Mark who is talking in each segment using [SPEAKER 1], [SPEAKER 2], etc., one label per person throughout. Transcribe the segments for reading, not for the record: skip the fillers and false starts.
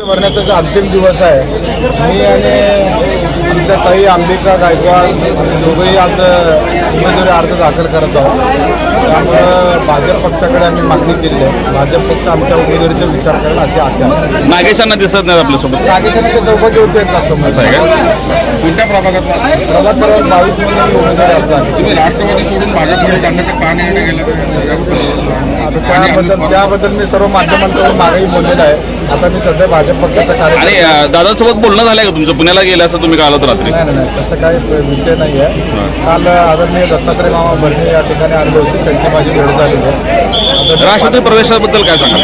[SPEAKER 1] भरण्याचा जो अंतिम दिवस आहे, मी आणि आमच्या ताई अंबिका गायकवाड दोघंही आज उमेदवारी अर्ज दाखल करत आहोत. त्यामुळं भाजप पक्षाकडे आम्ही मागणी केली आहे. भाजप पक्ष आमच्या उमेदवारीचा विचार करेल अशी आशा आहे.
[SPEAKER 2] नागेशांना दिसत नाही आपल्यासोबत.
[SPEAKER 1] नागेशांना ते चौकशी होते
[SPEAKER 2] असं आहे का? कोणत्या प्रभागात?
[SPEAKER 1] प्रभाग क्रमांक 22 मध्ये उमेदवारी अर्ज आहे.
[SPEAKER 3] तुम्ही राष्ट्रवादी सोडून भाजपकडे जाण्याचा का निर्णय गेला?
[SPEAKER 1] त्याबद्दल मी सर्व माध्यमांकडून मागेही बोललेलं आहे. आता मी सध्या भाजप पक्षाचा
[SPEAKER 2] आणि
[SPEAKER 1] कार्यकर्ता.
[SPEAKER 2] दादांसोबत बोलणं झालंय का तुमचं? पुण्याला गेलं असं तुम्ही कालत रात्री?
[SPEAKER 1] नाही, तसं काही विषय नाही आहे. काल आदरणीय दत्तात्रय मामा भरणे या ठिकाणी आले होते, त्यांची माझी भेट झाली आहे.
[SPEAKER 2] राष्ट्रवादी प्रवेशाबद्दल काय सांगा?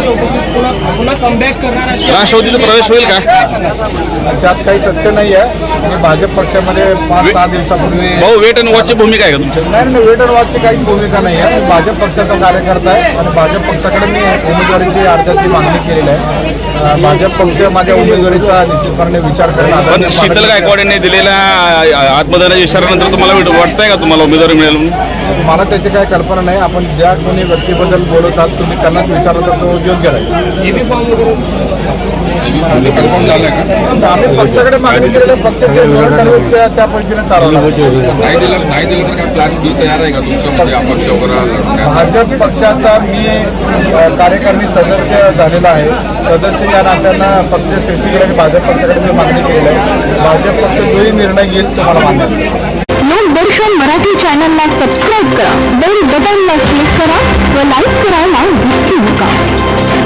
[SPEAKER 2] राष्ट्रवादीचा प्रवेश होईल का?
[SPEAKER 1] त्यात काही तथ्य नाही आहे. मी भाजप पक्षामध्ये 5-6 दिवसापूर्वी
[SPEAKER 2] भाऊ, वेट अँड वॉचची भूमिका आहे का तुमची?
[SPEAKER 1] नाही, वेट अँड वॉचची काहीच भूमिका नाही आहे. मी भाजप पक्षाचा कार्यकर्ता आहे आणि भाजप पक्षाकडे मी उमेदवारीची अर्जाची मागणी केलेली आहे. भाजप पक्ष माझ्या उमेदवारीचा निश्चितपणे विचार
[SPEAKER 2] पण
[SPEAKER 1] करेल.
[SPEAKER 2] शीतल गायकवाड यांनी दिलेल्या आत्मदानाच्या इशाऱ्यानंतर तुम्हाला वाटतंय का तुम्हाला उमेदवारी मिळेल म्हणून?
[SPEAKER 1] मला त्याची काही कल्पना नाही. आपण ज्या कोणी व्यक्तीबद्दल बोलतात तुम्ही त्यांनाच विचारलं तर तो योग्य राहील.
[SPEAKER 3] कन्फर्म झालं का?
[SPEAKER 1] आम्ही पक्षाकडे मागणी केलेल्या पक्षाचे धोरण ठरवून त्या पद्धतीने चालवलं.
[SPEAKER 3] नाही दिलं तर काय प्लॅन बी तयार आहे का तुमच्यामध्ये अपक्ष वगैरे?
[SPEAKER 1] भाजप पक्षाचा मी कार्यकारिणी सदस्य झालेला आहे. सदस्य या नात्यानं पक्ष सृष्टीकडे आणि भाजप पक्षाकडे मी मागणी केलेली आहे. भाजप पक्ष जोही निर्णय घेईल तो मला मान्य आहे.
[SPEAKER 4] लोकदर्शन मराठी चॅनलला सबस्क्राईब करा, बेल बटनला क्लिक करा व लाईक करायला विसरू नका.